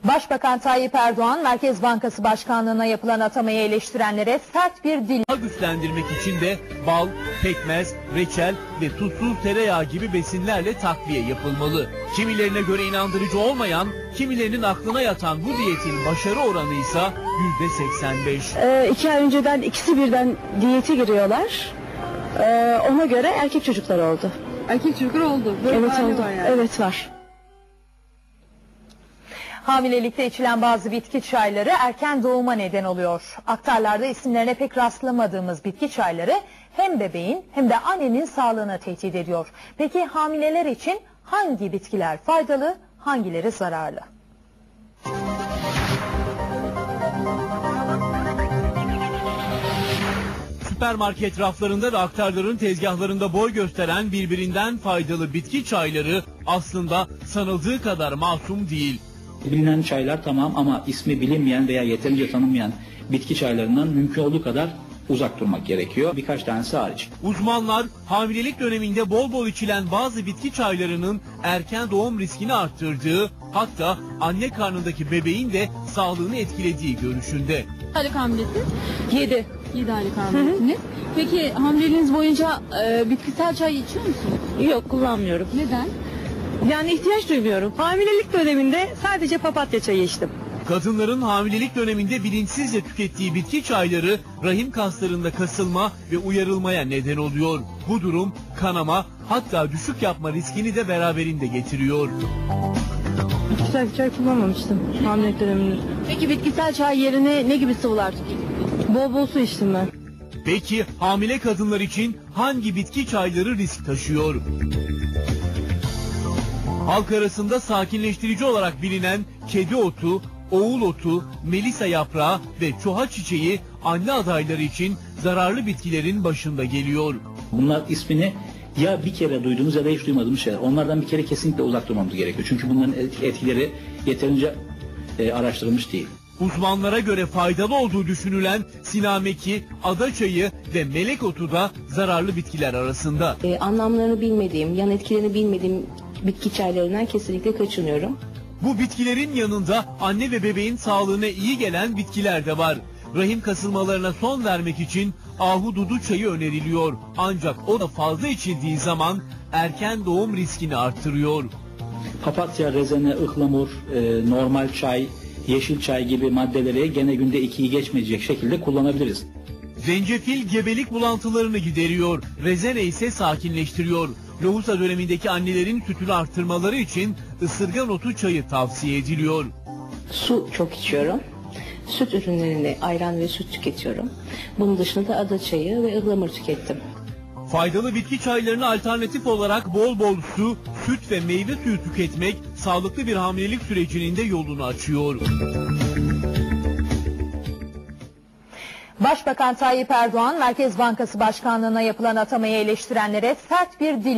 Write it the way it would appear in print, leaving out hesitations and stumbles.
Başbakan Tayyip Erdoğan, Merkez Bankası Başkanlığı'na yapılan atamayı eleştirenlere sert bir dil. Güçlendirmek için de bal, pekmez, reçel ve tuzsuz tereyağı gibi besinlerle takviye yapılmalı. Kimilerine göre inandırıcı olmayan, kimilerinin aklına yatan bu diyetin başarı oranı ise %85. 2 ay önceden ikisi birden diyete giriyorlar. Ona göre erkek çocuklar oldu. Erkek çocuklar oldu. Böyle Evet hali oldu. var yani. Evet var. Hamilelikte içilen bazı bitki çayları erken doğuma neden oluyor. Aktarlarda isimlerine pek rastlamadığımız bitki çayları hem bebeğin hem de annenin sağlığını tehdit ediyor. Peki hamileler için hangi bitkiler faydalı, hangileri zararlı? Süpermarket raflarında ve aktarların tezgahlarında boy gösteren birbirinden faydalı bitki çayları aslında sanıldığı kadar masum değil. Bilinen çaylar tamam ama ismi bilinmeyen veya yeterince tanınmayan bitki çaylarından mümkün olduğu kadar uzak durmak gerekiyor. Birkaç tanesi hariç. Uzmanlar hamilelik döneminde bol bol içilen bazı bitki çaylarının erken doğum riskini arttırdığı, hatta anne karnındaki bebeğin de sağlığını etkilediği görüşünde. Aylık hamilesi? 7. 7 aylık hamilesiniz. Peki hamileliğiniz boyunca bitkisel çay içiyor musunuz? Yok, kullanmıyorum. Neden? Yani ihtiyaç duymuyorum. Hamilelik döneminde sadece papatya çayı içtim. Kadınların hamilelik döneminde bilinçsizce tükettiği bitki çayları rahim kaslarında kasılma ve uyarılmaya neden oluyor. Bu durum kanama, hatta düşük yapma riskini de beraberinde getiriyor. Bitkisel çay kullanmamıştım hamilelik döneminde. Peki bitkisel çay yerine ne gibi sıvılar tüketiyorsunuz? Bol bol su içtim ben. Peki hamile kadınlar için hangi bitki çayları risk taşıyor? Halk arasında sakinleştirici olarak bilinen kedi otu, oğul otu, melisa yaprağı ve çuha çiçeği anne adayları için zararlı bitkilerin başında geliyor. Bunlar ismini ya bir kere duyduğumuz ya da hiç duymadığımız şeyler. Onlardan bir kere kesinlikle uzak durmamız gerekiyor. Çünkü bunların etkileri yeterince araştırılmış değil. Uzmanlara göre faydalı olduğu düşünülen sinameki, adaçayı ve melek otu da zararlı bitkiler arasında. Anlamlarını bilmediğim, yan etkilerini bilmediğim bitki çaylarından kesinlikle kaçınıyorum. Bu bitkilerin yanında anne ve bebeğin sağlığına iyi gelen bitkiler de var. Rahim kasılmalarına son vermek için ahududu çayı öneriliyor. Ancak o da fazla içildiği zaman erken doğum riskini arttırıyor. Papatya, rezene, ıhlamur, normal çay, yeşil çay gibi maddeleri gene günde 2'yi geçmeyecek şekilde kullanabiliriz. Zencefil gebelik bulantılarını gideriyor. Rezene ise sakinleştiriyor. Lohusa dönemindeki annelerin sütünü arttırmaları için ısırgan otu çayı tavsiye ediliyor. Su çok içiyorum. Süt ürünlerini, ayran ve süt tüketiyorum. Bunun dışında da ada çayı ve ıhlamur tükettim. Faydalı bitki çaylarına alternatif olarak bol bol su, süt ve meyve suyu tüketmek sağlıklı bir hamilelik sürecinin de yolunu açıyor. Başbakan Tayyip Erdoğan, Merkez Bankası Başkanlığı'na yapılan atamayı eleştirenlere sert bir dil